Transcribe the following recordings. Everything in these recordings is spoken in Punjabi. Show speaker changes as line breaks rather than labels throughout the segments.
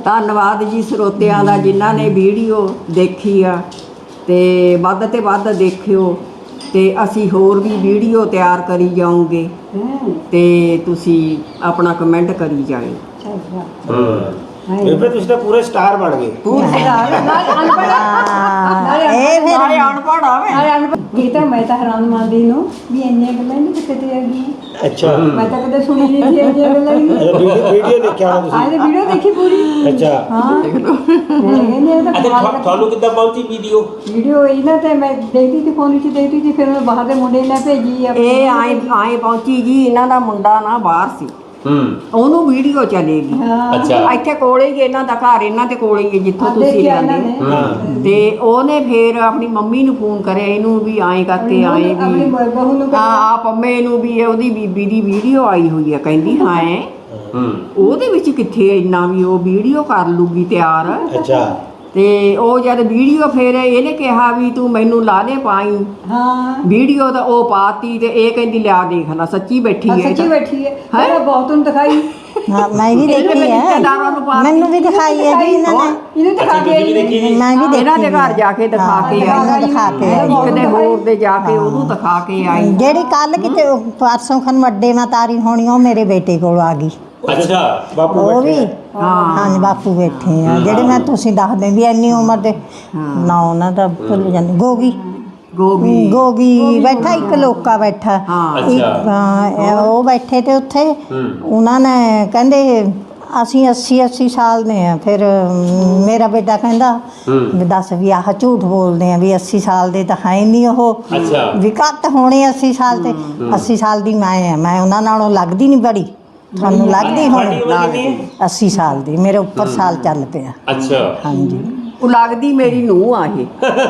ਧੰਨਵਾਦ ਜੀ ਸਰੋਤਿਆਂ ਦਾ ਜਿਨ੍ਹਾਂ ਨੇ ਵੀਡੀਓ ਦੇਖੀ ਆ, ਤੇ ਵੱਧ ਤੇ ਵੱਧ ਦੇਖਿਓ, ਤੇ ਅਸੀਂ ਹੋਰ ਵੀ ਵੀਡੀਓ ਤਿਆਰ ਕਰੀ ਜਾਵਾਂਗੇ, ਤੇ ਤੁਸੀਂ ਆਪਣਾ ਕਮੈਂਟ ਕਰੀ ਜਾਇਓ।
ਬੇਬੇ ਤੁਸੀਂ ਤਾਂ ਪੂਰੇ ਸਟਾਰ ਬਣ ਗਏ।
ਇਹ ਤਾਂ ਮੈਂ ਤਾਂ ਹੈਰਾਨ ਮੰਨਦੀ ਨੂੰ ਵੀ ਇੰਨੀਆਂ ਗੱਲਾਂ ਨਹੀਂ ਕਿਤੇ ਹੈਗੀਆਂ।
ਅੱਛਾ,
ਮੈਂ ਤਾਂ ਕਦੇ ਸੁਣੀ ਨਹੀਂ ਸੀ ਇੰਨੀਆਂ ਗੱਲਾਂ ਵੀ।
ਵੀਡੀਓ ਦੇਖਿਆ ਹੋਣਾ ਤੁਸੀਂ?
ਆਹ ਵੀਡੀਓ ਦੇਖੀ ਪੂਰੀ।
ਅੱਛਾ
ਹਾਂ,
ਤੁਹਾਨੂੰ ਕਿੱਦਾਂ ਪਹੁੰਚੀ
ਵੀਡੀਓ ਇਹਨਾਂ ਤੇ ਮੈਂ ਦੇਖਦੀ ਸੀ, ਫੋਨ 'ਚ ਦੇਖਦੀ ਸੀ, ਫਿਰ ਮੈਂ ਬਾਹਰ ਦੇ ਮੁੰਡੇ ਨੇ ਭੇਜੀ।
ਇਹ ਆਏ ਪਹੁੰਚੀ ਜੀ, ਇਹਨਾਂ ਦਾ ਮੁੰਡਾ ਨਾ ਬਾਹਰ ਸੀ, ਉਹਨੂੰ ਵੀਡੀਓ ਚਲੇਗੀ।
ਅੱਛਾ,
ਇੱਥੇ ਕੋਲੇ ਹੀ ਇਹਨਾਂ ਦਾ ਘਰ, ਇਹਨਾਂ ਦੇ ਕੋਲੇ ਹੀ ਜਿੱਥੋਂ ਤੁਸੀਂ ਜਾਂਦੇ, ਤੇ ਉਹਨੇ ਫੇਰ ਆਪਣੀ ਮੰਮੀ ਨੂੰ ਫੋਨ ਕਰਿਆ ਇਹਨੂੰ ਵੀ ਆਏ ਕਰਕੇ ਆਏ ਵੀ ਹਾਂ ਪੰਮੇ ਨੂੰ ਵੀ ਉਹਦੀ ਬੀਬੀ ਦੀ ਵੀਡੀਓ ਆਈ ਹੋਈ ਆ, ਕਹਿੰਦੀ ਹਾਂ ਉਹਦੇ ਵਿੱਚ ਕਿੱਥੇ ਇੰਨਾ ਵੀ ਉਹ ਵੀਡੀਓ ਕਰ ਲੂਗੀ ਤਿਆਰ।
ਅੱਛਾ,
ਤੇ ਉਹ ਜਦ ਵੀਡੀਓ ਫੇਰ ਇਹਨੇ ਕਿਹਾ ਵੀ ਤੂੰ ਮੈਨੂੰ ਲਾ ਦੇ ਪਾਈ ਵੀਡੀਓ, ਤਾਂ ਉਹ ਪਾਤੀ, ਤੇ ਇਹ ਕਹਿੰਦੀ ਲਿਆ ਦੇਖ ਲੈ ਸੱਚੀ ਬੈਠੀ ਹੈ,
ਸੱਚੀ ਬੈਠੀ ਹੈ। ਮੈਂ ਬਹੁਤ ਨੂੰ ਦਿਖਾਈ।
ਹਾਂ ਮੈਂ ਵੀ ਦੇਖੀ ਹੈ, ਮੈਨੂੰ ਵੀ ਦਿਖਾਈ ਹੈ ਜੀ ਇਹਨਾਂ ਨੇ।
ਇਹਨੂੰ ਦਿਖਾ ਕੇ
ਮੈਂ ਵੀ ਦੇਖੀ
ਇਹਨਾਂ ਦੇ ਘਰ ਜਾ ਕੇ ਦਿਖਾ ਕੇ ਆਈ,
ਦਿਖਾ ਕੇ
ਇੱਕ ਦੇ ਹੋਰ ਦੇ ਜਾ ਕੇ ਉਹਨੂੰ ਦਿਖਾ ਕੇ ਆਈ।
ਜਿਹੜੀ ਕੱਲ ਕਿਤੇ ਪਰਸੋਂ ਖਨ ਵੱਡੇ ਨਾਲ ਤਾਰੀ ਹੋਣੀ, ਉਹ ਮੇਰੇ ਬੇਟੇ ਕੋਲ ਆ ਗਈ।
ਅੱਛਾ, ਬਾਪੂ
ਉਹ ਵੀ ਹਾਂਜੀ ਬਾਪੂ ਬੈਠੇ ਆ, ਜਿਹੜੇ ਮੈਂ ਤੁਸੀਂ ਦੱਸਦੇ ਵੀ ਇੰਨੀ ਉਮਰ ਦੇ ਨਾ ਉਹਨਾਂ ਦਾ ਭੁੱਲ ਜਾਂਦੀ। ਗੋਗੀ ਬੈਠਾ, ਇੱਕ ਲੋਕਾ ਬੈਠਾ, ਉਹ ਬੈਠੇ ਤੇ ਉੱਥੇ ਉਹਨਾਂ ਨੇ ਕਹਿੰਦੇ ਅਸੀਂ 80 ਸਾਲ ਦੇ ਆ। ਫਿਰ ਮੇਰਾ ਬੇਟਾ ਕਹਿੰਦਾ ਵੀ ਦੱਸ ਵੀ ਆਹ ਝੂਠ ਬੋਲਦੇ ਆ ਵੀ 80 ਸਾਲ ਦੇ ਤਾਂ ਹੈ ਨਹੀਂ ਉਹ, ਵੀ ਘੱਟ ਹੋਣੇ 80 ਸਾਲ ਤੇ। 80 ਸਾਲ ਦੀ ਮੈਂ ਉਹਨਾਂ ਨਾਲੋਂ ਲੱਗਦੀ ਨਹੀਂ ਬੜੀ, ਤੁਹਾਨੂੰ ਲੱਗਦੀ ਹੋਣੀ 80 ਸਾਲ ਦੀ, ਮੇਰੇ ਉੱਪਰ ਸਾਲ ਚੱਲ ਪਿਆ।
ਅੱਛਾ,
ਹਾਂਜੀ,
ਉਹ ਲੱਗਦੀ ਮੇਰੀ ਨੂੰਹ ਆ ਇਹ।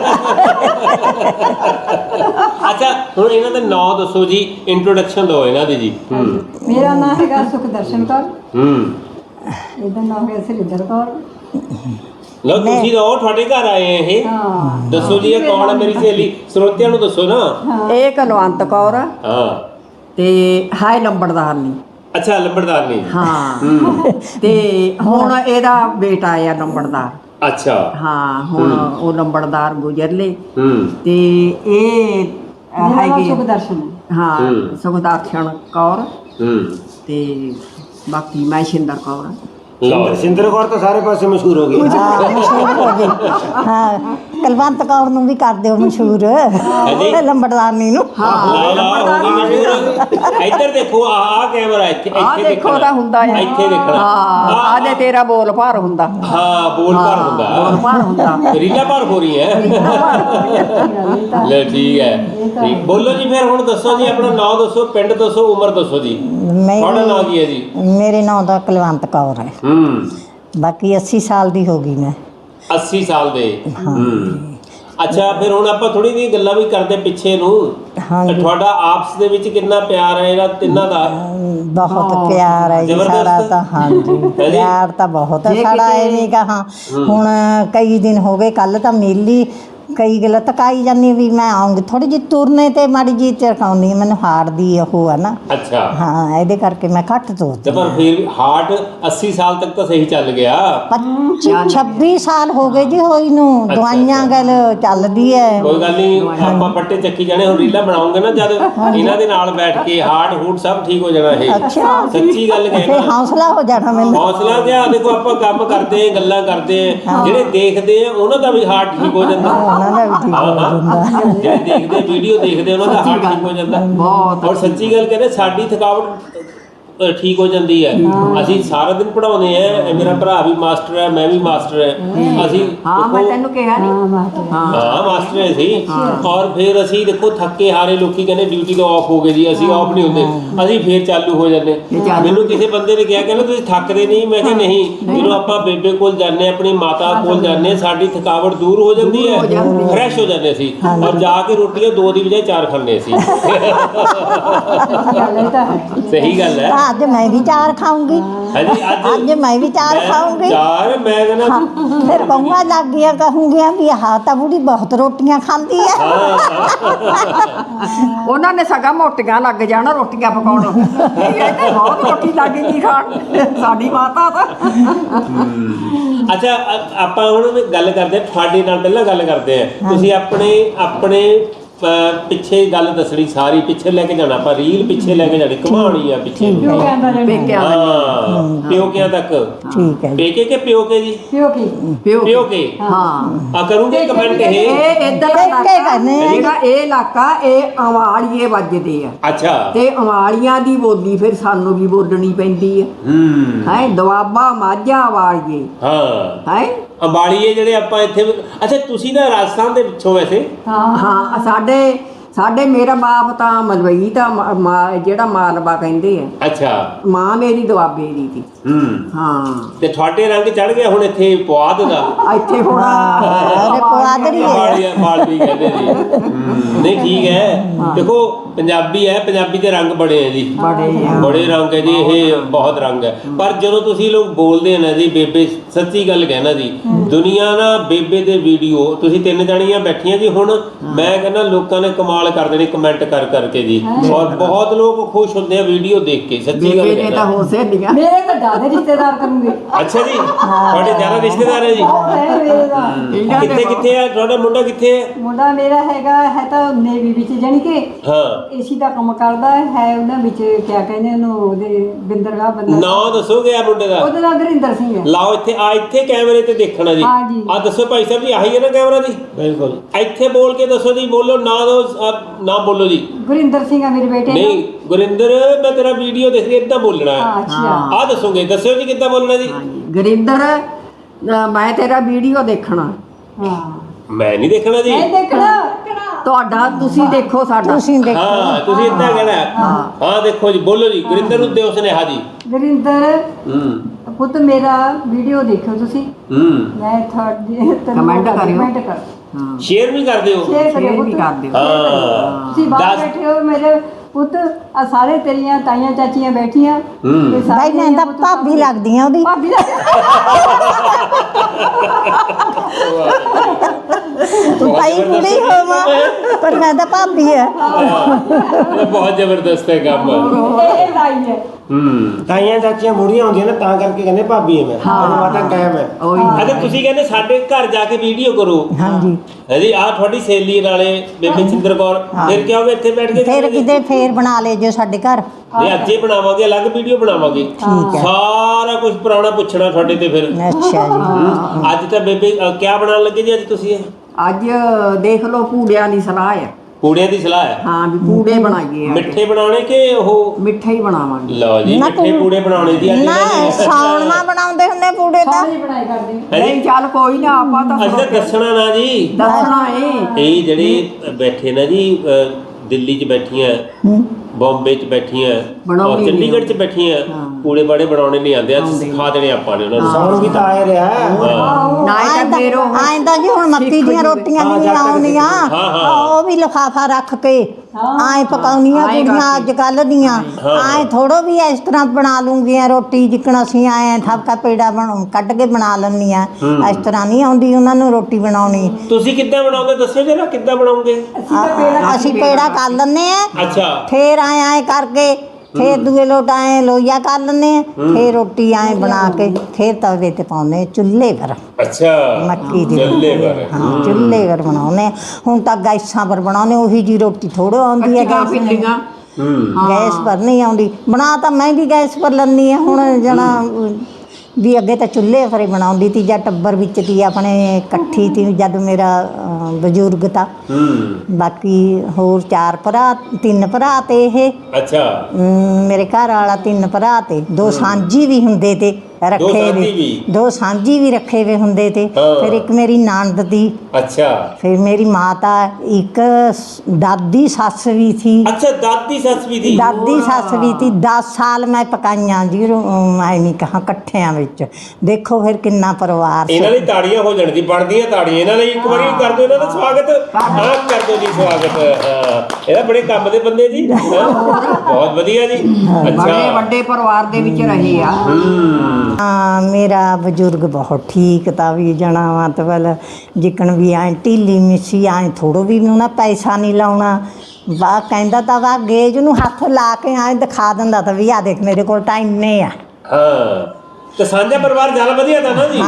ਅੱਛਾ, ਹੁਣ ਇਹਨਾਂ ਦਾ ਨਾਮ ਦੱਸੋ ਜੀ, ਇੰਟਰੋਡਕਸ਼ਨ ਦਿਓ ਇਹਨਾਂ ਦੀ ਜੀ।
ਮੇਰਾ ਨਾਮ ਹੈਗਾ ਸੁਖਦਰਸ਼ਨ ਕੌਰ। ਇਹਦਾ ਨਾਮ ਹੈ ਸਰਿੰਦਰ ਕੌਰ।
ਲਓ ਤੁਸੀਂ ਤਾਂ ਤੁਹਾਡੇ ਘਰ ਆਏ ਆ ਇਹ, ਦੱਸੋ ਜੀ ਇਹ ਕੌਣ ਹੈ ਮੇਰੀ ਸਹੇਲੀ, ਸਰੋਤਿਆਂ ਨੂੰ ਦੱਸੋ ਨਾ।
ਇਹ ਕੁਲਵੰਤ ਕੌਰ ਆ, ਤੇ ਹਾਏ ਲੰਬੜਦਾਰ ਨਹੀਂ।
ਅੱਛਾ, ਲੰਬੜਦਾਰ ਨਹੀਂ।
ਹਾਂ, ਤੇ ਹੁਣ ਇਹਦਾ ਬੇਟਾ ਆ ਲੰਬੜਦਾਰ।
ਅੱਛਾ,
ਹਾਂ, ਹੁਣ ਉਹ ਲੰਬੜਦਾਰ ਗੁਜ਼ਰ ਲੇ, ਤੇ ਇਹ ਹੈਗੇ
ਸੁਖਦਰਸ਼ਨ।
ਹਾਂ, ਸੁਖਦਰਸ਼ਨ ਕੌਰ, ਤੇ ਬਾਕੀ ਮੈਂ ਸ਼ਿੰਦਰ ਕੌਰ।
ਸਿੰਦਰ ਕੌਰ ਤਾਂ ਸਾਰੇ ਪਾਸੇ ਮਸ਼ਹੂਰ ਹੋ ਗਈ।
ਮਸ਼ਹੂਰ ਹੋ ਗਈ। ਹਾਂ, ਕੁਲਵੰਤ ਕੌਰ ਨੂੰ ਵੀ ਕਰ ਦਿਓ ਮਸ਼ਹੂਰ, ਲੰਬੜਦਾਰਨੀ ਨੂੰ।
ਇੱਧਰ ਦੇਖੋ, ਆਹ ਕੈਮਰਾ ਇੱਥੇ
ਦੇਖੋ ਤਾਂ ਹੁੰਦਾ ਹੈ,
ਇੱਥੇ ਦੇਖਣਾ।
ਆ ਜੇ ਤੇਰਾ ਬੋਲ ਭਾਰ ਹੁੰਦਾ।
ਹਾਂ, ਬੋਲ ਭਾਰ ਹੁੰਦਾ,
ਬੋਲ ਭਾਰ ਹੁੰਦਾ,
ਰੀਲਾ ਭਾਰ ਹੋ ਰਹੀ ਹੈ। ਲੈ ਠੀਕ ਹੈ, ਠੀਕ। ਬੋਲੋ ਜੀ ਫਿਰ, ਹੁਣ ਦੱਸੋ ਜੀ, ਆਪਣਾ ਨਾਮ ਦੱਸੋ, ਪਿੰਡ ਦੱਸੋ, ਉਮਰ ਦੱਸੋ ਜੀ। ਤੁਹਾਡਾ ਨਾਮ ਕੀ ਹੈ ਜੀ?
ਮੇਰੇ ਨਾਮ ਦਾ ਕੁਲਵੰਤ ਕੌਰ ਹੈ। ਬਾਕੀ 80 ਸਾਲ ਦੀ ਹੋ ਗਈ ਮੈਂ।
80 ਸਾਲ ਦੇ। ਅੱਛਾ, ਫਿਰ ਹੁਣ ਆਪਾਂ ਥੋੜੀ ਜਿਹੀ ਗੱਲਾਂ ਵੀ ਕਰਦੇ ਪਿੱਛੇ ਨੂੰ। ਤੁਹਾਡਾ ਆਪਸ ਦੇ ਵਿੱਚ ਕਿੰਨਾ ਪਿਆਰ ਹੈ ਇਹਨਾਂ ਤਿੰਨਾਂ ਦਾ?
ਬਹੁਤ ਪਿਆਰ ਹੈ ਜੀ ਸਾਡਾ ਤਾਂ। ਹਾਂਜੀ, ਪਿਆਰ ਤਾਂ ਬਹੁਤ ਹੈ ਸਾਡਾ, ਇਹ ਨਹੀਂ ਕਹਾਂ। ਹੁਣ ਕਈ ਦਿਨ ਹੋ ਗਏ, ਕੱਲ ਤਾਂ ਮੇਲੀ ਕਈ ਗੱਲ ਤਕਾਈ ਜਾਂਦੀ ਵੀ ਮੈਂ ਆਉਂਗੀ, ਥੋੜੀ ਜਿਹੀ ਤੁਰਨੇ ਤੇ ਮਾੜੀ ਜਿਹੀ ਚਰਕਾਉਂਦੀ, ਮੈਨੂੰ ਹਾਰਟ ਦੀ ਉਹ ਹੈ ਨਾ।
ਅੱਛਾ,
ਹਾਂ, ਇਹਦੇ ਕਰਕੇ ਮੈਂ ਘੱਟ ਤੁਰਦੀ।
ਪਰ ਫਿਰ ਹਾਰਟ 80 ਸਾਲ ਤੱਕ ਤਾਂ ਸਹੀ ਚੱਲ ਗਿਆ।
26 ਸਾਲ ਹੋ ਗਏ ਜੀ ਹੋਈ ਨੂੰ, ਦਵਾਈਆਂ ਗੱਲ ਚੱਲਦੀ ਹੈ।
ਕੋਈ ਗੱਲ ਨਹੀਂ, ਆਪਾਂ ਪੱਟੇ ਚੱਕੀ ਜਾਣੇ। ਹੁਣ ਰੀਲਾ ਬਣਾਉਂਗੇ ਨਾ ਜਦ ਇਹਨਾਂ ਦੇ ਨਾਲ ਬੈਠ ਕੇ, ਹਾਰਟ ਹੂਟ ਸਭ ਠੀਕ ਹੋ ਜਾਣਾ। ਇਹ ਸੱਚੀ ਗੱਲ ਕਹਿਣਾ,
ਹੌਸਲਾ ਹੋ ਜਾਣਾ ਮੈਨੂੰ।
ਹੌਸਲਾ ਤੇ ਦੇਖੋ, ਆਪਾਂ ਕੰਮ ਕਰਦੇ, ਗੱਲਾਂ ਕਰਦੇ, ਜਿਹੜੇ ਦੇਖਦੇ ਆ ਉਹਨਾਂ ਦਾ ਵੀ ਹਾਰਟ ਠੀਕ ਹੋ ਜਾਂਦਾ। ਜਿਹੜੇ ਦੇਖਦੇ ਵੀਡੀਓ ਦੇਖਦੇ ਉਹਨਾਂ ਦਾ ਹਾਰਟ ਠੀਕ ਹੋ ਜਾਂਦਾ ਬਹੁਤ। ਔਰ ਸੱਚੀ ਗੱਲ ਕਹਿੰਦੇ, ਸਾਡੀ ਥਕਾਵਟ ਠੀਕ ਹੋ ਜਾਂਦੀ ਹੈ। ਅਸੀਂ ਸਾਰਾ ਦਿਨ ਪੜਾਉਂਦੇ ਆ, ਮੇਰਾ ਭਰਾ ਵੀ ਮਾਸਟਰ ਹੈ, ਮੈਂ ਵੀ ਮਾਸਟਰ ਹੈ। ਅਸੀਂ
ਮੈਂ ਤੈਨੂੰ ਕਿਹਾ ਨਹੀਂ,
ਹਾਂ ਮਾਸਟਰ ਹੈ ਸੀ। ਔਰ ਫਿਰ ਅਸੀਂ ਦੇਖੋ ਥੱਕੇ ਹਾਰੇ, ਲੋਕੀ ਕਹਿੰਦੇ ਡਿਊਟੀ ਤੋਂ ਆਫ ਹੋ ਗਏ ਜੀ, ਅਸੀਂ ਆਫ ਨਹੀਂ ਹੁੰਦੇ, ਅਸੀਂ ਫੇਰ ਚਾਲੂ ਹੋ ਜਾਂਦੇ। ਮੈਨੂੰ ਕਿਸੇ ਬੰਦੇ ਨੇ ਕਿਹਾ, ਕਹਿੰਦਾ ਤੁਸੀਂ ਥੱਕਦੇ ਨਹੀਂ? ਮੈਂ ਕਿਹਾ ਨਹੀਂ, ਜਦੋਂ ਆਪਾਂ ਬੇਬੇ ਕੋਲ ਜਾਂਦੇ, ਆਪਣੀ ਮਾਤਾ ਕੋਲ ਜਾਂਦੇ, ਸਾਡੀ ਥਕਾਵਟ ਦੂਰ ਹੋ ਜਾਂਦੀ ਹੈ, ਫਰੈਸ਼ ਹੋ ਜਾਂਦੇ ਅਸੀਂ। ਔਰ ਜਾ ਕੇ ਰੋਟੀਆਂ 2 ਦੀ ਬਜਾਏ 4 ਖਾਂਦੇ ਅਸੀਂ। ਸਹੀ ਗੱਲ ਹੈ।
ਅੱਜ ਮੈਂ ਵੀ 4 ਖਾਊਂਗੀ,
ਹਾਂਜੀ
ਅੱਜ ਮੈਂ ਵੀ 4 ਖਾਊਂਗੀ।
ਚਾਰ ਮੈਂ ਕਹਿੰਦਾ
ਫਿਰ ਕਹੂੰਗਾ ਲੱਗ ਗਿਆ, ਕਹੂੰਗੀਆਂ ਵੀ ਆਹ ਤਾਂ ਬੁੜੀ ਬਹੁਤ ਰੋਟੀਆਂ ਖਾਂਦੀ ਆ।
ਉਹਨਾਂ ਨੇ ਸਗਾ ਮੋਟੀਆਂ ਲੱਗ ਜਾਣਾ ਰੋਟੀਆਂ ਪਕਾਉਣ। ਇਹ ਤਾਂ ਬਹੁਤ ਰੋਟੀ ਲੱਗ ਗਈ ਖਾਣ ਸਾਡੀ ਮਾਤਾ ਤਾਂ।
ਅੱਛਾ ਆਪਾਂ ਹੁਣ ਗੱਲ ਕਰਦੇ ਹਾਂ, ਤੁਹਾਡੇ ਨਾਲ ਪਹਿਲਾਂ ਗੱਲ ਕਰਦੇ ਆ। ਤੁਸੀਂ ਆਪਣੇ ਪਿੱਛੇ ਗੱਲ ਦੱਸਣੀ ਸਾਰੀ, ਪਿੱਛੇ ਲੈ ਕੇ ਜਾਣਾ ਆਪਾਂ, ਰੀਲ ਪਿੱਛੇ ਲੈ ਕੇ ਜਾਣੀ, ਘੁਮਾਉਣੀ ਆ ਪਿੱਛੇ
ਕਿਉਂ ਕਹਿੰਦਾ ਜੀ
ਪੇਕਿਆਂ
ਹਾਂ ਪਿਓਕਿਆਂ ਤੱਕ।
ਠੀਕ ਹੈ ਜੀ।
ਪੇਕੇ ਕੇ ਪਿਓਕੇ ਜੀ?
ਕਿਉਂ ਕੀ
ਪਿਓਕੇ
ਹਾਂ।
ਆ ਕਰੂੰਗੇ ਕਮੈਂਟ ਇਹ
ਇਹ ਇੱਧਰ ਦਾ
ਪੇਕੇ ਕਰਨੇ ਆ।
ਜਿਹੜਾ ਇਹ ਇਲਾਕਾ ਇਹ ਅਵਾਲੀਏ ਵੱਜਦੇ ਆ
ਅੱਛਾ
ਤੇ ਅਵਾਲੀਆਂ ਦੀ ਬੋਲੀ ਫਿਰ ਸਾਨੂੰ ਵੀ ਬੋਲਣੀ ਪੈਂਦੀ ਆ। ਹੈ ਦੁਆਬਾ ਮਾਝਾ ਅਵਾਲੀਏ
ਹਾਂ
ਹੈ।
ਅੰਬਾਲੀਏ ਜਿਹੜੇ ਆਪਾਂ ਇੱਥੇ। ਅੱਛਾ ਤੁਸੀਂ ਤਾਂ ਰਾਜਸਥਾਨ ਦੇ ਪਿੱਛੋਂ ਵੈਸੇ?
ਹਾਂ ਸਾਡੇ ਮੇਰਾ ਬਾਪ ਤਾਂ ਮਲਵਈ ਤਾਂ ਜਿਹੜਾ ਮਾਲਵਾ ਕਹਿੰਦੇ ਆ।
ਅੱਛਾ
ਮਾਂ ਮੇਰੀ ਦੁਆਬੇ ਦੀ ਸੀ। ਹਾਂ
ਤੇ ਤੁਹਾਡੇ ਰੰਗ ਚੜ ਗਿਆ ਹੁਣ ਇੱਥੇ ਪੁਆਧ ਦਾ।
ਇੱਥੇ ਹੁਣ
ਅਰੇ ਪੁਆਧੜੀ ਹੈ।
ਮਾਲਵੀ ਕਹਿੰਦੇ ਜੀ। ਨਹੀਂ ਠੀਕ ਹੈ, ਦੇਖੋ ਪੰਜਾਬੀ ਹੈ, ਪੰਜਾਬੀ ਦੇ ਰੰਗ ਬੜੇ ਹੈ ਜੀ, ਬੜੇ ਰੰਗ ਹੈ ਜੀ, ਇਹ ਬਹੁਤ ਰੰਗ ਹੈ। ਪਰ ਜਦੋਂ ਤੁਸੀਂ ਲੋਕ ਬੋਲਦੇ ਆ ਨਾ ਜੀ ਬੇਬੇ, ਸੱਚੀ ਗੱਲ ਕਹਿਣਾ ਜੀ, ਦੁਨੀਆ ਨਾ ਬੇਬੇ ਦੇ ਵੀਡੀਓ, ਤੁਸੀਂ 3 ਜਣੀਆਂ ਬੈਠੀਆਂ ਜੀ ਹੁਣ, ਮੈਂ ਕਹਿੰਦਾ ਲੋਕਾਂ ਨੇ ਕਮਾਲ ਕਰ ਦੇਣੀ ਕਮੈਂਟ ਕਰ ਕਰਕੇ ਜੀ, ਔਰ ਬਹੁਤ ਲੋਕ ਖੁਸ਼ ਹੁੰਦੇ ਆ ਵੀਡੀਓ ਦੇਖ ਕੇ, ਸੱਚੀ ਗੱਲ
ਬੇਬੇ ਨੇ ਤਾਂ ਹੋ ਸਹੇਲੀਆਂ।
ਮੇਰੇ ਤਾਂ ਜ਼ਿਆਦਾ ਰਿਸ਼ਤੇਦਾਰ ਕਰੂੰਗੇ।
ਅੱਛਾ ਜੀ, ਤੁਹਾਡੇ ਜ਼ਿਆਦਾ ਰਿਸ਼ਤੇਦਾਰ ਹੈ ਜੀ?
ਮੇਰੇ ਦਾ
ਕਿੱਥੇ ਆ ਤੁਹਾਡਾ ਮੁੰਡਾ? ਕਿੱਥੇ ਹੈ
ਮੁੰਡਾ? ਮੇਰਾ ਹੈ ਤਾਂ ਨੇਵੀ ਵਿੱਚ, ਜਾਣੀ ਕਿ
ਹਾਂ
ਏਸੀ ਦਾ ਕੰਮ ਕਰਦਾ ਹੈ। ਉਹਨਾਂ ਵਿੱਚ ਕਿਆ ਕਹਿੰਦੇ ਉਹਨੂੰ, ਉਹਦੇ ਬਿੰਦਰਗਾਹ ਬੰਦਾ।
ਨਾਂ ਦੱਸੋਗੇ ਆ ਮੁੰਡੇ ਦਾ?
ਉਹਦਾ ਨਾਮ ਗੁਰਿੰਦਰ ਸਿੰਘ ਹੈ।
ਲਾਓ ਇੱਥੇ ਕੈਮਰੇ ਤੇ ਦੇਖਣਾ ਜੀ।
ਹਾਂ ਜੀ।
ਆ ਦੱਸੋ ਭਾਈ ਸਾਹਿਬ ਜੀ, ਆਹੀ ਹੈ ਨਾ ਕੈਮਰਾ ਜੀ? ਬਿਲਕੁਲ। ਇੱਥੇ ਬੋਲ ਕੇ ਦੱਸੋ ਜੀ, ਬੋਲੋ ਨਾ ਨਾ ਬੋਲੋ ਜੀ।
ਗੁਰਿੰਦਰ ਸਿੰਘ ਆ ਮੇਰੇ ਬੇਟੇ।
ਨਹੀਂ ਗੁਰਿੰਦਰ, ਮੈਂ ਤੇਰਾ ਵੀਡੀਓ ਦੇਖ ਰਹੀ, ਇਦਾਂ ਬੋਲਣਾ ਹੈ।
ਅੱਛਾ
ਆ ਦੱਸੋਗੇ, ਦੱਸਿਓ ਜੀ ਕਿੱਦਾਂ ਬੋਲਣਾ ਜੀ।
ਗੁਰਿੰਦਰ ਮੈਂ ਤੇਰਾ ਵੀਡੀਓ ਦੇਖਣਾ।
ਹਾਂ
ਮੈਂ ਨਹੀਂ ਦੇਖਣਾ ਜੀ।
ਇਹ ਦੇਖਣਾ
ਤੁਹਾਡਾ ਤੁਸੀਂ ਦੇਖੋ ਸਾਡਾ।
ਤੁਸੀਂ ਦੇਖੋ।
ਹਾਂ ਤੁਸੀਂ ਇਦਾਂ ਕਹਿਣਾ। ਹਾਂ ਦੇਖੋ ਜੀ, ਬੋਲੋ ਜੀ, ਗੁਰਿੰਦਰ ਨੂੰ ਦਿਓ ਸੁਨੇਹਾ ਜੀ।
ਗੁਰਿੰਦਰ ਪੁੱਤ ਮੇਰਾ ਵੀਡੀਓ ਦੇਖਿਓ ਤੁਸੀਂ। ਮੈਂ ਤੁਹਾਡੇ
ਕਮੈਂਟ ਕਰਿਓ।
ਕਮੈਂਟ ਕਰ,
ਹਾਂ
ਸ਼ੇਅਰ ਵੀ ਕਰ ਦਿਓ।
ਸ਼ੇਅਰ
ਸ਼ੇਅਰ
ਕਰਿਓ
ਵੀ
ਪੁੱਤ।
ਕਰ ਦਿਓ।
ਹਾਂ
ਤੁਸੀਂ ਬਾਹਰ ਬੈਠੇ ਹੋ ਮੇਰੇ ਪੁੱਤ, ਆ ਸਾਰੇ ਤੇਰੀਆਂ ਤਾਈਆਂ ਚਾਚੀਆਂ ਬੈਠੀਆਂ ਤੇ
ਬਾਈ
ਸਾਰੀਆਂ
ਮੈਂ ਤਾਂ
ਪੁੱਤ
ਭਾਬੀ ਲੱਗਦੀਆਂ ਉਹਦੀ।
ਭਾਬੀ ਦਾ
ਭਾਈ ਕੁੜੀ ਹੋਵਾਂ ਪਰ ਮੈਂ ਤਾਂ ਭਾਬੀ ਹੈ।
ਇਹ ਬਹੁਤ ਜ਼ਬਰਦਸਤ ਹੈ ਕੰਮ।
ਇਹ ਤਾਈ ਹੈ।
ਤਾਈਆਂ ਚਾਚੀਆਂ ਬੁੜੀਆਂ ਹੁੰਦੀਆਂ ਨੇ ਤਾਂ ਕਰਕੇ ਕਹਿੰਦੇ ਭਾਬੀ ਹੈ। ਮੈਂ ਮਾਤਾ ਕਾਇਮ ਹੈ।
ਅੱਛਾ ਤੁਸੀਂ ਕਹਿੰਦੇ ਸਾਡੇ ਘਰ ਜਾ ਕੇ ਵੀਡੀਓ ਕਰੋ।
ਹਾਂਜੀ
ਹੈ ਜੀ, ਆਹ ਤੁਹਾਡੀ ਸਹੇਲੀ ਨਾਲੇ ਬੇਬੇ ਚਿੰਦਰ ਕੌਰ, ਫਿਰ ਕਿਹਾ ਹੋਵੇ ਇੱਥੇ ਬੈਠ ਕੇ
ਫਿਰ ਕਿਤੇ ਫੇਰ ਬਣਾ ਲੈ ਜੋ ਸਾਡੇ ਘਰ।
ਨਹੀਂ ਅੱਜ ਹੀ ਬਣਾਵਾਂਗੇ, ਅਲੱਗ ਵੀਡੀਓ ਬਣਾਵਾਂਗੇ।
ਠੀਕ ਹੈ।
ਸਾਰਾ ਕੁਝ ਪੁਰਾਣਾ ਪੁੱਛਣਾ ਤੁਹਾਡੇ ਤੇ ਫਿਰ।
ਅੱਛਾ ਜੀ।
ਅੱਜ ਤਾਂ ਬੇਬੇ ਕਿਆ ਬਣਾਉਣ ਲੱਗੇ ਜੀ ਅੱਜ ਤੁਸੀਂ? ਇਹ
ਅੱਜ ਦੇਖ ਲਓ ਪੂੜਿਆਂ ਦੀ ਸਲਾਹ ਹੈ।
ਪੂੜਿਆਂ ਦੀ ਸਲਾਹ ਹੈ?
ਹਾਂ ਵੀ ਪੂੜੇ ਬਣਾਈਏ।
ਮਿੱਠੇ ਬਣਾਉਣੇ ਕਿ ਉਹ?
ਮਿੱਠਾ ਹੀ ਬਣਾਵਾਂਗੇ।
ਲਓ ਜੀ, ਮਿੱਠੇ ਪੂੜੇ ਬਣਾਉਣੇ ਜੀ ਅੱਜ
ਨਾ ਸੌਣਵਾ ਬਣਾਉਂਦੇ ਹੁੰਦੇ ਪੂੜੇ ਤਾਂ।
ਸਾਰੀ ਬਣਾਈ ਕਰਦੇ
ਹੈ ਜੀ।
ਨਹੀਂ ਚੱਲ ਕੋਈ ਨਾ, ਆਪਾਂ ਤਾਂ
ਅਸੀਂ ਤਾਂ ਦੱਸਣਾ ਨਾ ਜੀ।
ਦੱਸਣਾ ਏ।
ਇਹ ਜਿਹੜੇ ਬੈਠੇ ਨਾ ਜੀ, ਦਿੱਲੀ 'ਚ ਬੈਠੀਆਂ, ਬੰਬੇ 'ਚ ਬੈਠੀਆਂ, ਔਰ ਚੰਡੀਗੜ੍ਹ 'ਚ ਬੈਠੀਆਂ, ਪੂੜੇ ਬਾੜੇ ਬਣਾਉਣੇ ਨਹੀਂ ਆਉਂਦੇ, ਅੱਜ ਸਿਖਾ ਦੇਣੇ ਆਪਾਂ ਨੇ ਉਹਨਾਂ ਨੂੰ।
ਸੌਣ ਵੀ ਤਾਂ ਆਏ ਰਿਹਾ।
ਨਾ ਇਹ ਤਾਂ ਫੇਰ ਉਹ
ਆਇਂਦਾ ਜੀ ਹੁਣ ਮੱਕੀ ਦੀਆਂ ਰੋਟੀਆਂ ਵੀ ਨਹੀਂ ਆਉਂਦੀਆਂ, ਉਹ ਵੀ ਲਿਫਾਫਾ ਰੱਖ ਕੇ ਆਏ ਪਕਾਉਣੀਆਂ ਕੁੜੀਆਂ ਅੱਜ ਕੱਲ ਦੀਆਂ। ਆਏ ਥੋੜੋ ਵੀ ਇਸ ਤਰ੍ਹਾਂ ਬਣਾ ਲੂੰਗੀਆਂ ਰੋਟੀ, ਜਿੱਕਣ ਅਸੀਂ ਆਏ ਠਪਕਾ ਪੇੜਾ ਕੱਢ ਕੇ ਬਣਾ ਲੈਂਦੀਆਂ। ਇਸ ਤਰ੍ਹਾਂ ਨਹੀਂ ਆਉਂਦੀ ਉਹਨਾਂ ਨੂੰ ਰੋਟੀ ਬਣਾਉਣੀ।
ਤੁਸੀਂ ਕਿੱਦਾਂ ਬਣਾਉਂਦੇ ਦੱਸਿਓ ਜਰਾ, ਕਿੱਦਾਂ ਬਣਾਉਂਗੇ?
ਅਸੀਂ ਪੇੜਾ ਕਰ ਲੈਂਦੇ ਆ,
ਅੱਛਾ
ਫੇਰ ਆਏ ਕਰਕੇ ਫੇਰ ਦੂਏ ਲੋਟ ਆਏ ਲੋਈਆ ਕਰ ਲੈਂਦੇ ਆ, ਫੇਰ ਰੋਟੀ ਆਏ ਬਣਾ ਕੇ ਫੇਰ ਤਵੇ ਤੇ ਪਾਉਂਦੇ ਚੁੱਲ੍ਹੇ ਪਰ।
ਅੱਛਾ
ਮੱਕੀ ਦੀ
ਚੁੱਲ੍ਹੇ ਪਰ।
ਹਾਂ ਚੁੱਲ੍ਹੇ ਪਰ ਬਣਾਉਂਦੇ। ਹੁਣ ਤਾਂ ਗੈਸਾਂ ਪਰ ਬਣਾਉਂਦੇ, ਉਹੀ ਜੀ ਰੋਟੀ ਥੋੜ੍ਹੀ ਆਉਂਦੀ ਹੈ
ਪਿੱਲੀਆਂ।
ਗੈਸ ਪਰ ਨਹੀਂ ਆਉਂਦੀ। ਬਣਾ ਤਾਂ ਮੈਂ ਵੀ ਗੈਸ ਪਰ ਲੈਂਦੀ ਹਾਂ ਹੁਣ ਜਣਾ ਵੀ, ਅੱਗੇ ਤਾਂ ਚੁੱਲ੍ਹੇ ਪਰ ਹੀ ਬਣਾਉਂਦੀ ਤੀ। ਜਾਂ ਟੱਬਰ ਵਿੱਚ ਤੀ ਆਪਣੇ ਇਕੱਠੀ ਤੀ ਜਦ ਮੇਰਾ ਬਜ਼ੁਰਗ ਤਾਂ। ਬਾਕੀ ਹੋਰ 4 ਭਰਾ, 3 ਭਰਾ ਤੇ ਇਹ।
ਅੱਛਾ
ਮੇਰੇ ਘਰ ਵਾਲਾ 3 ਭਰਾ ਤੇ 2 ਸਾਂਝੀ ਵੀ ਹੁੰਦੇ ਤੇ। ਰੱਖੇ
ਸਾਂਝੀ
ਵੀ 2 ਸਾਂਝੀ ਵੀ ਰੱਖੇ ਵੇ ਹੁੰਦੇ ਤੇ ਫਿਰ ਇੱਕ ਮੇਰੀ ਨਣਦ ਦੀ
ਅੱਛਾ
ਫਿਰ ਮੇਰੀ ਮਾਤਾ ਇੱਕ ਦਾਦੀ ਸੱਸ ਵੀ ਥੀ
ਅੱਛਾ ਦਾਦੀ ਸੱਸ ਵੀ ਦੀ
ਦਾਦੀ ਸੱਸ ਵੀ ਤੀ 10 ਸਾਲ ਮੈਂ ਪਕਾਈਆਂ ਜੀ ਮੈਂ ਨਹੀਂ ਕਹਾਂ ਇਕੱਠਿਆਂ ਵਿੱਚ ਦੇਖੋ ਫਿਰ ਕਿੰਨਾ ਪਰਿਵਾਰ
ਇਹਨਾਂ ਦੀ ਤਾੜੀਆਂ ਹੋ ਜਾਣ ਦੀ ਬਣਦੀਆਂ ਤਾੜੀਆਂ ਇਹਨਾਂ ਲਈ ਇੱਕ ਵਾਰੀ ਕਰ ਦਿਓ ਇਹਨਾਂ ਦਾ ਸਵਾਗਤ ਹਾਂ ਕਰ ਦਿਓ ਜੀ ਸਵਾਗਤ ਇਹਦਾ ਬੜੇ ਕੰਮ ਦੇ ਬੰਦੇ ਜੀ ਬਹੁਤ ਵਧੀਆ ਜੀ
ਬੜੇ ਵੱਡੇ ਪਰਿਵਾਰ ਦੇ ਵਿੱਚ ਰਹੇ ਆ
ਹਾਂ ਮੇਰਾ ਬਜ਼ੁਰਗ ਬਹੁਤ ਠੀਕ ਤਾਂ ਵੀ ਜਣਾ ਮਤਲਬ ਜਿੱਕਣ ਵੀ ਐ ਢੀਲੀ ਮਿੱਸੀ ਐ ਥੋੜੋ ਵੀ ਨਾ ਪੈਸਾ ਨਹੀਂ ਲਾਉਣਾ ਵਾ ਕਹਿੰਦਾ ਤਾਂ ਵਾ ਗੇਜ ਨੂੰ ਹੱਥ ਲਾ ਕੇ ਐ ਦਿਖਾ ਦਿੰਦਾ ਤਾਂ ਵੀ ਆ ਦੇਖ ਮੇਰੇ ਕੋਲ ਟਾਈਮ ਨਹੀਂ ਆ
ਹਾਂ ਤੇ ਸਾਂਝਾ ਪਰਿਵਾਰ ਜ਼ਿਆਦਾ ਵਧੀਆ ਤਾਂ ਨਾ ਜੀ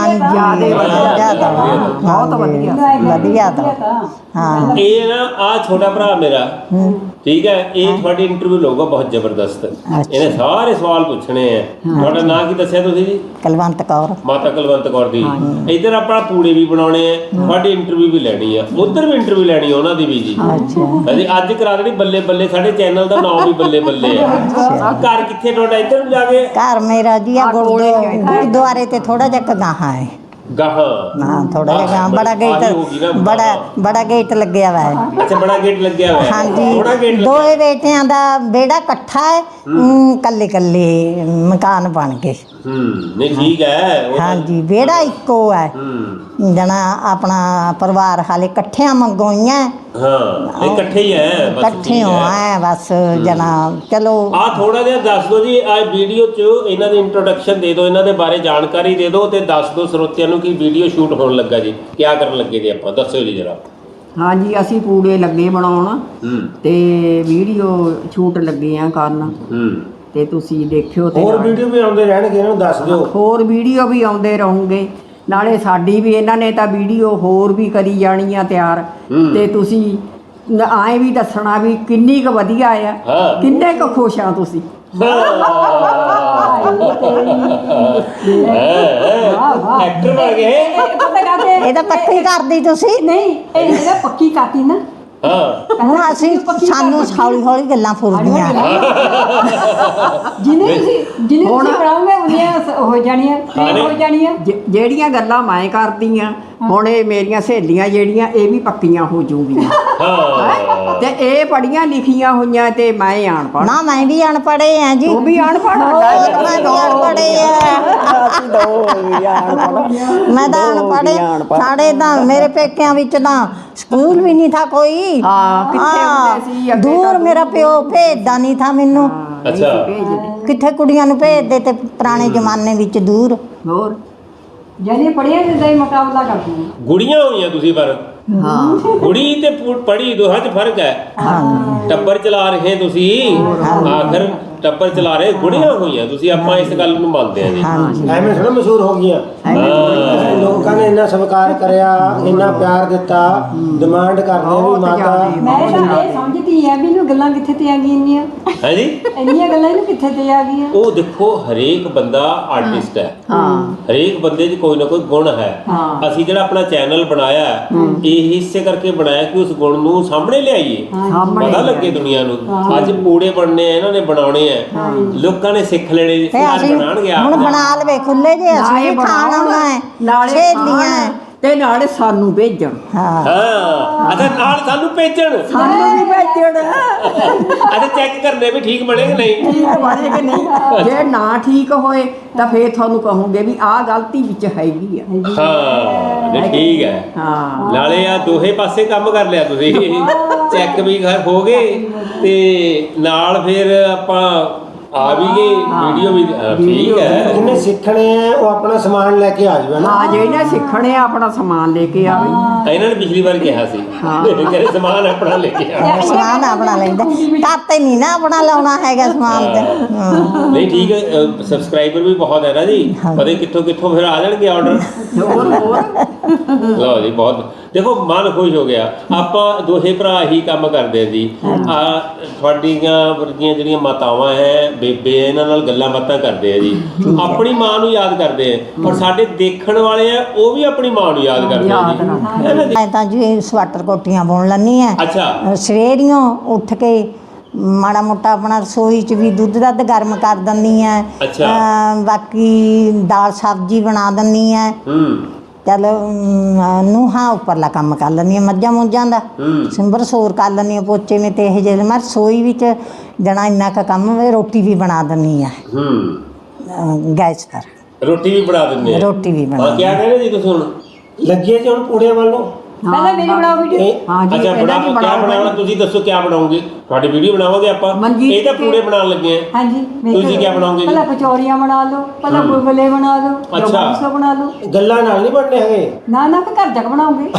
ਬਹੁਤ ਵਧੀਆ
ਵਧੀਆ ਤਾਂ ਹਾਂ
ਇਹ ਨਾ ਆ ਛੋਟਾ ਭਰਾ ਮੇਰਾ ਠੀਕ ਹੈ ਇਹ ਤੁਹਾਡੀ ਇੰਟਰਵਿਊ ਲਊਗਾ ਬਹੁਤ ਜ਼ਬਰਦਸਤ ਇਹਨੇ ਸਾਰੇ ਸਵਾਲ ਪੁੱਛਣੇ ਆ ਤੁਹਾਡਾ ਨਾਂ ਕੀ ਦੱਸਿਆ ਤੁਸੀਂ ਜੀ
ਕੁਲਵੰਤ ਕੌਰ
ਮਾਤਾ ਕੁਲਵੰਤ ਕੌਰ ਦੀ ਇੱਧਰ ਆਪਣਾ ਪੂੜੇ ਵੀ ਬਣਾਉਣੇ ਆ ਤੁਹਾਡੀ ਇੰਟਰਵਿਊ ਵੀ ਲੈਣੀ ਆ ਉੱਧਰ ਵੀ ਇੰਟਰਵਿਊ ਲੈਣੀ ਆ ਉਹਨਾਂ ਦੀ ਵੀ ਜੀ ਅਸੀਂ ਅੱਜ ਕਰਾ ਦੇਣੀ ਬੱਲੇ ਬੱਲੇ ਸਾਡੇ ਚੈਨਲ ਦਾ ਨਾਮ ਵੀ ਬੱਲੇ ਬੱਲੇ ਆ ਘਰ ਕਿੱਥੇ ਤੁਹਾਡਾ ਇੱਧਰ ਨੂੰ ਜਾ ਕੇ
ਘਰ ਮੇਰਾ ਜੀ ਆ ਗੁਰਦੁਆਰੇ ਤੇ ਥੋੜਾ ਜਿਹਾ ਗਾਹਾਂ ਹੈ
ਗਾਹਾਂ
ਹਾਂ ਥੋੜਾ ਜਿਹਾ ਬੜਾ ਗੇਟ ਬੜਾ ਗੇਟ ਲੱਗਿਆ ਵਾ ਹੈ
ਅੱਛਾ ਬੜਾ ਗੇਟ ਲੱਗਿਆ ਹੋਇਆ
ਹਾਂਜੀ
ਥੋੜਾ ਗੇਟ
ਦੋਏ ਬੇਟਿਆਂ ਦਾ ਬੇੜਾ ਇਕੱਠਾ ਹੈ ਕੱਲੇ ਕੱਲੇ ਮਕਾਨ ਬਣ ਗਏ
ਨਹੀਂ ਠੀਕ ਹੈ
ਹਾਂਜੀ ਬੇੜਾ ਇੱਕੋ ਹੈ ਜਣਾ ਆਪਣਾ ਪਰਿਵਾਰ ਹਾਲੇ ਇਕੱਠਿਆਂ ਮੰਗੋਈਆਂ
ਹਾਂ ਇਕੱਠੇ ਹੀ ਹੈ ਬਸ
ਇਕੱਠੇ ਹੋ ਆ ਬਸ ਜਣਾ ਚਲੋ
ਆ ਥੋੜਾ ਜਿਹਾ ਦੱਸ ਦਿਓ ਜੀ ਆ ਵੀਡੀਓ 'ਚ ਇਹਨਾਂ ਦੀ ਇੰਟਰੋਡਕਸ਼ਨ ਦੇ ਦਿਓ ਇਹਨਾਂ ਦੇ ਬਾਰੇ ਜਾਣਕਾਰੀ ਦੇ ਦਿਓ ਤੇ ਦੱਸ ਦਿਓ ਸਰੋਤਿਆਂ ਨੂੰ ਕਿ ਵੀਡੀਓ ਸ਼ੂਟ ਹੋਣ ਲੱਗਾ ਜੀ ਕੀ ਕਰਨ ਲੱਗੇ ਜੀ ਆਪਾਂ ਦੱਸਿਓ ਜੀ ਜਰਾ
ਹਾਂਜੀ ਅਸੀਂ ਪੂੜੇ ਲੱਗੇ ਬਣਾਉਣ ਤੇ ਵੀਡੀਓ ਸ਼ੂਟ ਲੱਗੇ ਆ ਕਰਨ ਤੇ ਤੁਸੀਂ ਦੇਖਿਓ ਤੇ
ਹੋਰ ਵੀਡੀਓ ਵੀ ਆਉਂਦੇ ਰਹਿਣਗੇ ਇਹਨਾਂ ਨੂੰ ਦੱਸ ਦਿਓ
ਹੋਰ ਵੀਡੀਓ ਵੀ ਆਉਂਦੇ ਰਹੋਗੇ ਨਾਲੇ ਸਾਡੀ ਵੀ ਇਹਨਾਂ ਨੇ ਤਾਂ ਵੀਡੀਓ ਹੋਰ ਵੀ ਕਰੀ ਜਾਣੀ ਆ ਤਿਆਰ ਤੇ ਤੁਸੀਂ ਆਏ ਵੀ ਦੱਸਣਾ ਵੀ ਕਿੰਨੀ ਕੁ ਵਧੀਆ ਆ ਕਿੰਨੇ ਕੁ ਖੁਸ਼ ਆ ਤੁਸੀਂ
ਐਕਟਰ ਬਣ ਗਏ
ਇਹ ਤਾਂ ਪੱਕੀ ਕਰਦੀ ਤੁਸੀਂ
ਨਹੀਂ ਇਹ ਜਿਹੜਾ ਪੱਕੀ ਕਾਤੀ ਨਾ
ਹੁਣ ਅਸੀਂ ਸਾਨੂੰ ਹੌਲੀ ਹੌਲੀ ਗੱਲਾਂ ਫੁਰਦੀਆਂ
ਜਿਹਨੇ ਤੁਸੀਂ ਬਣਾਉਂਗੇ ਉਹਨੀਆਂ ਹੋ ਜਾਣੀਆਂ ਹੋ ਜਾਣੀਆਂ
ਜਿਹੜੀਆਂ ਗੱਲਾਂ ਮੈਂ ਕਰਦੀ ਆ ਹੁਣ ਇਹ ਮੇਰੀਆਂ ਸਹੇਲੀਆਂ ਜਿਹੜੀਆਂ ਇਹ ਵੀ ਪੱਕੀਆਂ ਹੋ ਜੂਗੀਆਂ ਤੇ ਇਹ ਪੜੀਆਂ ਲਿਖੀਆਂ ਹੋਈਆਂ ਤੇ ਮੈਂ ਅਨਪੜ੍ਹ
ਨਾ ਮੈਂ ਵੀ ਅਨਪੜ੍ਹੇ ਆ ਜੀ
ਉਹ ਵੀ ਅਨਪੜ੍ਹ
ਮੈਂ ਤਾਂ ਅਨਪੜ੍ਹੇ ਸਾਡੇ ਤਾਂ ਮੇਰੇ ਪੇਕਿਆਂ ਵਿੱਚ ਤਾਂ ਸਕੂਲ ਵੀ ਨਹੀਂ ਥਾ ਕੋਈ
ਹਾਂ ਕਿੱਥੇ ਹੁੰਦੇ ਸੀ ਅੱਗੇ
ਦੂਰ ਮੇਰਾ ਪਿਓ ਭੇਜਦਾ ਨਹੀਂ ਥਾ ਮੈਨੂੰ
ਅੱਛਾ
ਕਿੱਥੇ ਕੁੜੀਆਂ ਨੂੰ ਭੇਜਦੇ ਤੇ ਪੁਰਾਣੇ ਜ਼ਮਾਨੇ ਵਿੱਚ ਦੂਰ
ਹੋਰ
ਜਿਹਨੇ ਪੜਿਆ ਜਿੱਦਾਂ ਹੀ ਮੁਕਾਬਲਾ ਕਰਦੀਆਂ
ਗੁੜੀਆਂ ਹੋਈਆਂ ਤੁਸੀਂ ਪਰ ਕੁੜੀ ਤੇ ਪੜੀ ਦੋਹਾਂ 'ਚ ਫਰਕ ਹੈ ਟੱਬਰ ਚਲਾ ਰਹੇ ਤੁਸੀਂ ਆਖਰ ਟੱਬਰ ਚਲਾ ਰਹੇ ਗੁੜੀਆਂ ਹੋਈਆਂ ਤੁਸੀਂ ਆਪਾਂ ਇਸ ਗੱਲ ਨੂੰ ਮੰਨਦੇ ਆ ਜੀ
ਐਵੇਂ ਥੋੜਾ ਮਸ਼ਹੂਰ ਹੋ ਗਈਆਂ ਲੋਕਾਂ ਨੇ ਇੰਨਾ ਸਤਿਕਾਰ ਕਰਿਆ ਇੰਨਾ ਪਿਆਰ ਦਿੱਤਾ ਡਿਮਾਂਡ ਕਰਦੇ ਆ ਵੀ ਮਾਤਾ
ਮੈਂ ਤਾਂ ਇਹ ਸਮਝਦੀ ਆ ਵੀ ਇਹਨੂੰ ਗੱਲਾਂ ਕਿੱਥੇ ਤੇ ਆ ਗਈਆਂ
ਹੈ ਜੀ
ਇੰਨੀਆਂ ਗੱਲਾਂ ਇਹਨੂੰ ਕਿੱਥੇ ਤੇ ਆ ਗਈਆਂ
ਉਹ ਦੇਖੋ ਹਰੇਕ ਬੰਦਾ ਆਰਟਿਸਟ ਹੈ ਹਰੇਕ ਬੰਦੇ 'ਚ ਕੋਈ ਨਾ ਕੋਈ ਗੁਣ ਹੈ ਅਸੀਂ ਜਿਹੜਾ ਆਪਣਾ ਚੈਨਲ ਬਣਾਇਆ ਇਹ ਇਸੇ ਕਰਕੇ ਬਣਾਇਆ ਕਿ ਉਸ ਗੁਣ ਨੂੰ ਸਾਹਮਣੇ ਲਿਆਈਏ ਪਤਾ ਲੱਗੇ ਦੁਨੀਆ ਨੂੰ ਅੱਜ ਪੂੜੇ ਬਣਨੇ ਆ ਇਹਨਾਂ ਨੇ ਬਣਾਉਣੇ ਆ ਲੋਕਾਂ ਨੇ ਸਿੱਖ ਲੈਣੇ
ਅਸੀਂ
ਬਣਾਉਣਗੇ
ਹੁਣ ਬਣਾ ਲਵੇ ਖੁੱਲੇ ਜੇ ਅਸੀਂ ਖਾਣ ਆਉਣਾ ਹੈ ਸਹੇਲੀਆਂ
ਤੇ ਨਾਲੇ ਸਾਨੂੰ ਭੇਜਣ
ਹਾਂ ਅੱਛਾ ਨਾਲ ਸਾਨੂੰ ਭੇਜਣ
ਸਾਨੂੰ ਵੀ ਭੇਜਣ
ਅੱਛਾ ਚੈੱਕ ਕਰਨੇ ਵੀ ਠੀਕ ਬਣੇ ਕਿ ਨਹੀਂ
ਠੀਕ ਬਣੇ ਕਿ ਨਹੀਂ ਜੇ ਨਾ ਠੀਕ ਹੋਏ ਤਾਂ ਫੇਰ ਤੁਹਾਨੂੰ ਕਹੋਗੇ ਵੀ ਆਹ ਗਲਤੀ ਵਿੱਚ ਹੈਗੀ ਆ
ਹਾਂ ਨਹੀਂ ਠੀਕ ਹੈ
ਹਾਂ
ਨਾਲੇ ਆ ਦੋਹੇ ਪਾਸੇ ਕੰਮ ਕਰ ਲਿਆ ਤੁਸੀਂ ਚੈੱਕ ਵੀ ਹੋ ਗਏ ਤੇ ਨਾਲ ਫਿਰ ਆਪਾਂ ਆ ਵੀ ਗਏ ਵੀਡੀਓ ਵੀ ਠੀਕ ਹੈ
ਜਿਹਨੇ ਸਿੱਖਣੇ ਆ ਉਹ ਆਪਣਾ ਸਮਾਨ ਲੈ ਕੇ ਆ ਜਾਵੇ ਨਾ
ਹਾਂ ਜਿਹੜੇ ਸਿੱਖਣੇ ਆ ਆਪਣਾ ਸਮਾਨ ਲੈ ਕੇ ਆਵੇ
ਇਹਨਾਂ ਨੇ ਪਿਛਲੀ ਵਾਰ ਕਿਹਾ ਸੀ ਕਿ ਸਮਾਨ ਆਪਣਾ ਲੈ ਕੇ ਆ
ਸਮਾਨ ਆਪਣਾ ਲੈਂਦਾ ਕਾਤੇ ਨਹੀਂ ਨਾ ਆਪਣਾ ਲਾਉਣਾ ਹੈਗਾ ਸਮਾਨ ਤੇ
ਨਹੀਂ ਠੀਕ ਹੈ ਸਬਸਕ੍ਰਾਈਬਰ ਵੀ ਬਹੁਤ ਹੈ ਨਾ ਜੀ ਪਤਾ ਕਿੱਥੋਂ ਕਿੱਥੋਂ ਫਿਰ ਆ ਜਾਣਗੇ ਆਰਡਰ ਲਓ ਜੀ ਬਹੁਤ ਦੇਖੋ ਮਨ ਖੁਸ਼ ਹੋ ਗਿਆ ਆਪਾਂ ਦੋਹੇ ਭਰਾ ਹੀ ਕੰਮ ਕਰਦੇ ਆ ਜੀ ਆ ਤੁਹਾਡੀਆਂ ਵਰਗੀਆਂ ਜਿਹੜੀਆਂ ਮਾਤਾਵਾਂ ਹੈ ਬੇਬੇ ਇਹਨਾਂ ਨਾਲ ਗੱਲਾਂ ਬਾਤਾਂ ਕਰਦੇ ਆ ਜੀ ਆਪਣੀ ਮਾਂ ਨੂੰ ਯਾਦ ਕਰਦੇ ਆ ਔਰ ਸਾਡੇ ਦੇਖਣ ਵਾਲੇ ਆ ਉਹ ਵੀ ਆਪਣੀ ਮਾਂ ਨੂੰ ਯਾਦ ਕਰਦੇ ਆ ਜੀ
ਮੈਂ ਤਾਂ ਜੀ ਸਵਾਟਰ ਕੋਟੀਆਂ ਬੁਣ ਲੈਂਦੀ ਆ
ਅੱਛਾ
ਸਵੇਰੀਓਂ ਉੱਠ ਕੇ ਮਾੜਾ ਮੋਟਾ ਆਪਣਾ ਰਸੋਈ 'ਚ ਵੀ ਦੁੱਧ ਦੱਧ ਗਰਮ ਕਰ ਦਿੰਦੀ ਆ
ਅੱਛਾ।
ਬਾਕੀ ਦਾਲ ਸਬਜ਼ੀ ਬਣਾ ਦਿੰਦੀ ਆ ਚੱਲ ਨੂੰਹਾਂ ਉੱਪਰਲਾ ਕੰਮ ਕਰ ਲੈਂਦੀਆਂ ਮੱਝਾਂ ਮੁੱਝਾਂ ਦਾ ਸਿੰਬਰ ਸੋਰ ਕਰ ਲੈਂਦੀਆਂ ਪੋਚੇ ਮੇ ਤੇ ਇਹ ਜਿਹੇ ਮੈਂ ਰਸੋਈ ਵਿੱਚ ਜਣਾ ਇੰਨਾ ਕੁ ਕੰਮ ਰੋਟੀ ਵੀ ਬਣਾ ਦਿੰਦੀ ਆ ਗੈਸ ਪਰ
ਰੋਟੀ ਵੀ ਬਣਾ ਦਿੰਦੇ ਆ
ਰੋਟੀ ਵੀ ਬਣਾ
ਹਾਂ ਕੀ ਕਹਿੰਦੇ ਜੀ ਤੁਸੀਂ ਹੁਣ
ਲੱਗੇ ਜੀ ਹੁਣ ਪੂੜਿਆਂ ਵੱਲ ਨੂੰ
ਪਹਿਲਾਂ ਮੇਰੀ ਬਣਾਓ ਵੀਡੀਓ
ਹਾਂ ਜੀ
ਅੱਛਾ
ਇਹਨਾਂ ਦੀ
ਕਿਆ ਬਣਾਉਣਾ ਤੁਸੀਂ ਦੱਸੋ ਕਿਆ ਬਣਾਓਗੇ ਤੁਹਾਡੀ ਵੀਡੀਓ ਬਣਾਵਾਂਗੇ ਆਪਾਂ
ਮਨਜੀਤ
ਇਹ ਤਾਂ ਪੂੜੇ ਬਣਾਉਣ ਲੱਗੇ ਆ
ਹਾਂਜੀ
ਤੁਸੀਂ ਕਿਆ ਬਣਾਓਗੇ ਜੀ?
ਪਹਿਲਾਂ ਕਚੌਰੀਆਂ ਬਣਾ ਲਓ ਪਹਿਲਾਂ ਗੁਲਗੁਲੇ ਬਣਾ ਲਓ
ਅੱਛਾ।
ਜੋਗਸਾ ਬਣਾ ਲਓ
ਗੱਲਾਂ ਨਾਲ ਨਹੀਂ ਬਣਨੇ ਹੈਗੇ
ਨਾ ਕਿ ਘਰ ਜਾ ਕੇ ਬਣਾਉਂਗੇ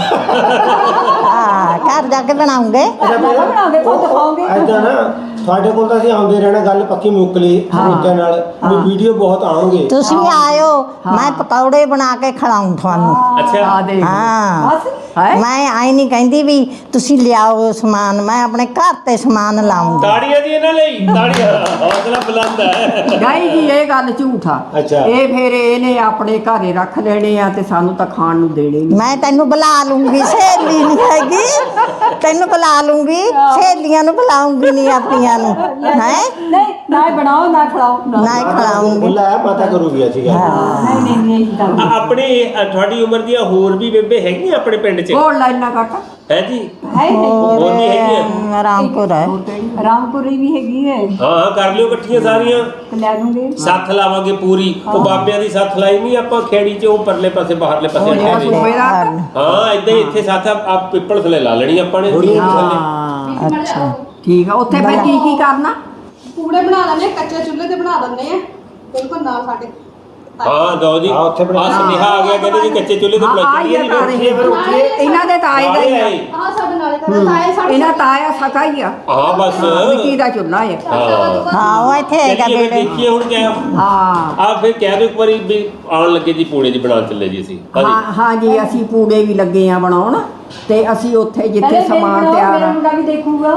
ਹਾਂ ਘਰ ਜਾ ਕੇ ਬਣਾਉਂਗੇ
ਬਣਾਉਂਗੇ ਖੁਦ ਖਾਓਗੇ
ਐਦਾਂ ਨਾ ਤੁਹਾਡੇ ਕੋਲ ਤਾਂ ਅਸੀਂ ਆਉਂਦੇ ਰਹਿਣਾ ਗੱਲ ਪੱਕੀ ਮੁੱਕ ਲਈ ਤਰੀਕੇ ਨਾਲ ਵੀ ਵੀਡੀਓ ਬਹੁਤ ਆਉਣਗੇ
ਤੁਸੀਂ ਵੀ ਆਇਓ ਮੈਂ ਪਕੌੜੇ ਬਣਾ ਕੇ ਖਿਲਾਉਂ ਤੁਹਾਨੂੰ
ਅੱਛਾ
ਆ ਦੇਖ
ਹਾਂ
ਬਸ
ਮੈਂ ਆਈ ਨਹੀਂ ਕਹਿੰਦੀ ਵੀ ਤੁਸੀਂ ਲਿਆਓ ਸਮਾਨ ਮੈਂ ਆਪਣੇ ਘਰ ਤੇ ਸਮਾਨ ਲਾਉਂਗੀ
ਤਾੜੀਆਂ ਜੀ ਇਹਨਾਂ ਲਈ ਤਾੜੀਆਂ ਹੌਸਲਾ ਬੁਲੰਦ ਹੈ
ਨਹੀਂ ਜੀ ਇਹ ਗੱਲ ਝੂਠ ਆ
ਅੱਛਾ।
ਇਹ ਫਿਰ ਇਹਨੇ ਆਪਣੇ ਘਰੇ ਰੱਖ ਲੈਣੇ ਆ ਤੇ ਸਾਨੂੰ ਤਾਂ ਖਾਣ ਨੂੰ ਦੇਣੇ ਨਹੀਂ
ਮੈਂ ਤੈਨੂੰ ਬੁਲਾ ਲੂੰਗੀ ਸਹੇਲੀ ਨਹੀਂ ਹੈਗੀ ਤੈਨੂੰ ਬੁਲਾ ਲੂੰਗੀ ਸਹੇਲੀਆਂ ਨੂੰ ਬੁਲਾਉਂਗੀ ਨਹੀਂ ਆਪਣੀਆਂ ਨੂੰ ਹੈ
ਨਹੀਂ ਨਾ ਹੀ ਬਣਾਓ ਨਾ ਖਿਲਾਓ
ਨਾ ਹੀ ਖਿਲਾਉਂਗੀ
ਬੁਲਾਇਆ ਪਤਾ ਕਰੂਗੀ ਅਸੀਂ ਗੱਲ
ਨਹੀਂ ਤਾਂ
ਆਪਣੇ ਤੁਹਾਡੀ ਉਮਰ ਦੀਆਂ ਹੋਰ ਵੀ ਬੇਬੇ ਹੈਗੀਆਂ ਆਪਣੇ ਪਿੰਡ 'ਚ
ਗੋਲ ਲਾਈਨਾਂ ਕੱਟ
ਹੈ ਜੀ
ਹੈ ਨਹੀਂ
ਹੋਰ ਵੀ ਹੈਗੀਆਂ
ਰਾਮਪੁਰ ਹੈ
ਰਾਮਪੁਰੀ ਵੀ ਹੈਗੀ ਹੈ
ਹਾਂ ਕਰ ਲਿਓ ਇਕੱਠੀਆਂ ਸਾਰੀਆਂ
ਤੇ ਲੈ ਲੂੰਗੇ
ਸੱਥ ਲਾਵਾਂਗੇ ਪੂਰੀ ਉਹ ਬਾਬਿਆਂ ਦੀ ਸੱਥ ਲਾਈ ਨਹੀਂ ਆਪਾਂ ਖੇੜੀ 'ਚ ਉਹ ਪਰਲੇ ਪਾਸੇ ਬਾਹਰਲੇ ਪਾਸੇ
ਜਿਹੜਾ
ਅੱਡੇ ਦੇ
ਸੂਬੇ ਦਾ
ਹਾਂ ਇਦਾਂ ਹੀ ਇੱਥੇ ਸੱਥ ਆ ਪਿੱਪਲ ਥੱਲੇ ਲਾ ਲੈਣੀ ਆਪਾਂ ਨੇ ਥੱਲੇ
ਹਾਂ
ਅੱਛਾ
ਠੀਕ ਆ ਉੱਥੇ ਫਿਰ ਕੀ ਕਰਨਾ
ਪੂੜੇ ਬਣਾ ਲੈਣੇ ਕੱਚੇ ਚੁੱਲ੍ਹੇ ਤੇ ਬਣਾ ਦਿੰਦੇ ਆ ਬਿਲਕੁਲ ਨਾਲ ਸਾਡੇ
ਹਾਂ ਦੋ ਜੀ
ਹਾਂ, ਉੱਥੇ ਬਣਾ-
ਸੁਨੇਹਾ ਆ ਗਿਆ ਕਹਿੰਦੇ ਜੀ ਕੱਚੇ ਚੁੱਲ੍ਹੇ ਤੇ
ਹਾਂ
ਬਣਾ
ਆਈ
ਕੇ
ਆ ਘਰ ਇਹ। ਇਹਨਾਂ ਦੇ ਤਾਏ ਦਾ ਹੀ ਆ
ਆਹ ਸਾਡੇ ਨਾਲੇ ਤਾਂ ਤਾਏ ਸਾਡੇ
ਇਹਨਾਂ ਤਾਇਆ ਸਕਾ ਹੀ ਆ
ਹਾਂ ਬਸ
ਮਿੱਟੀ ਦਾ ਚੁੱਲ੍ਹਾ ਆ
ਹਾਂ
ਹਾਂ ਉਹ ਇੱਥੇ ਹੈਗਾ
ਚੱਲੀਏ ਫਿਰ
ਬੇੜੇ
ਦੇਖੀਏ ਹੁਣ ਕਿਆ
ਹਾਂ
ਆ ਫਿਰ ਕਹਿ ਦਿਓ ਇੱਕ ਵਾਰੀ ਵੀ ਆਉਣ ਲੱਗੇ ਜੀ ਪੂੜੇ ਦੀ ਬਣਾਉਣ ਚੱਲੇ ਜੀ ਅਸੀਂ
ਹਾਂ ਹਾਂ ਜੀ ਅਸੀਂ ਪੂੜੇ ਵੀ ਲੱਗੇ ਆ ਬਣਾਉਣ ਤੇ ਅਸੀਂ ਉੱਥੇ ਜਿੱਥੇ ਸਮਾਨ ਤਿਆਰ
ਮੇਰਾ
ਆ
ਮੁੰਡਾ ਵੀ ਦੇਖੂਗਾ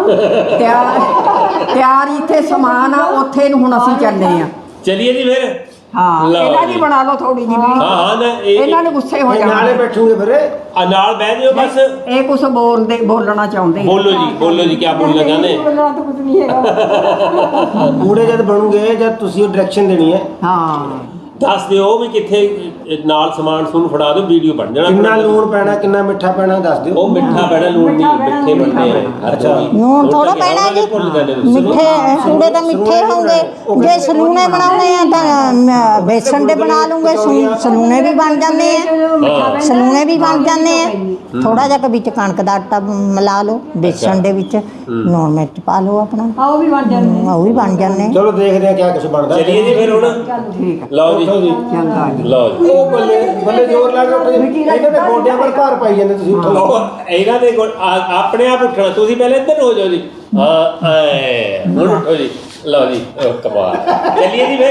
ਤਿਆਰ ਇੱਥੇ ਸਮਾਨ ਆ ਉੱਥੇ ਨੂੰ ਹੁਣ ਅਸੀਂ ਚੱਲੇ ਆ
ਚਲਿਏ ਜੀ ਫਿਰ
ਹਾਂ
ਲਓ
ਇਹਨਾਂ ਦੀ
ਜੀ।
ਬਣਾ ਲਓ ਥੋੜੀ ਜਿਹੀ
ਹਾਂ ਹਾਂ ਨਾ
ਇਹਨਾਂ ਨੂੰ ਗੁੱਸੇ ਹੋ
ਨਾਲੇ
ਜਾਣਾ
ਬੈਠੂਗੇ ਫਿਰ
ਨਾਲ ਬਹਿ ਜਿਓ ਬਸ
ਇਹ ਕੁਝ ਬੋਲਣਾ ਚਾਹੁੰਦੇ ਆ।
ਬੋਲੋ ਜੀ ਕਿਆ ਬੋਲਣਾ ਚਾਹੁੰਦੇ
ਬੋਲਣਾ ਤਾਂ ਕੁਝ ਨਹੀਂ ਹੈਗਾ
ਪੂੜੇ ਜਦ ਬਣੂਗੇ ਜਦ ਤੁਸੀਂ ਡਾਇਰੈਕਸ਼ਨ ਦੇਣੀ ਹੈ
ਹਾਂ
ਦੱਸ ਦਿਓ ਵੀ ਕਿੱਥੇ ਨਾਲ ਸਮਾਨ ਸੁਣ ਫੜਾ ਦਿਓ ਵੀਡੀਓ ਬਣ ਜਾਣਾ
ਕਿੰਨਾ ਲੂਣ ਪੈਣਾ ਕਿੰਨਾ ਮਿੱਠਾ ਪੈਣਾ ਦੱਸ ਦਿਓ
ਉਹ ਮਿੱਠਾ ਪੈਣਾ ਲੂਣ ਨਹੀਂ ਮਿੱਠੇ ਬਣਦੇ ਆ
ਅੱਛਾ।
ਨੂਣ ਥੋੜਾ ਪੈਣਾ ਜੀ ਮਿੱਠੇ ਪੂੜੇ ਤਾਂ ਮਿੱਠੇ ਹੋਣਗੇ ਜੇ ਸਲੂਣੇ ਬਣਾਉਣੇ ਆ ਤਾਂ ਬੇਸਣ ਦੇ ਬਣਾ ਲੂੰਗੇ ਸਲੂਣੇ ਵੀ ਬਣ ਜਾਂਦੇ ਆ ਸਲੂਣੇ ਵੀ ਬਣ ਜਾਂਦੇ ਆ ਥੋੜਾ ਜਿਹਾ ਵਿੱਚ ਕਣਕ ਦਾ ਆਟਾ ਮਿਲਾ ਲਓ ਬੇਸਣ ਦੇ ਵਿੱਚ ਨੂਣ ਮਿਰਚ ਪਾ ਲਓ ਆਪਣਾ
ਆਓ ਵੀ ਬਣ ਜਾਂਦੇ
ਉਹ ਵੀ ਬਣ ਜਾਂਦੇ
ਚਲੋ ਦੇਖਦੇ ਆ ਕਿਆ ਕੁਝ ਬਣਦਾ
ਚਲਿਏ ਜੀ ਫਿਰ ਹੁਣ
ਠੀਕ ਆ
ਲਓ ਜੀ
ਚੰਗਾ ਜੀ
ਲਓ ਜੀ
ਉਹ ਬੱਲੇ ਬੱਲੇ ਜ਼ੋਰ ਲਾ ਕੇ ਉੱਠੋ ਜੀ। ਇਹਨਾਂ ਦੇ ਗੋਡਿਆਂ ਪਰ ਭਾਰ ਪਾਈ ਜਾਂਦੇ ਤੁਸੀਂ ਉੱਠੋ
ਉਹ ਇਹਨਾਂ ਦੇ ਆਪਣੇ ਆਪ ਉੱਠਣਾ ਤੁਸੀਂ ਪਹਿਲੇ ਇੱਧਰ ਹੋ ਜਾਓ ਜੀ ਹਾਂ ਐ ਹੁਣ ਉੱਠੋ ਜੀ ਲਓ ਜੀ ਕਮਾਲ ਚਲਿਏ ਜੀ ਫਿਰ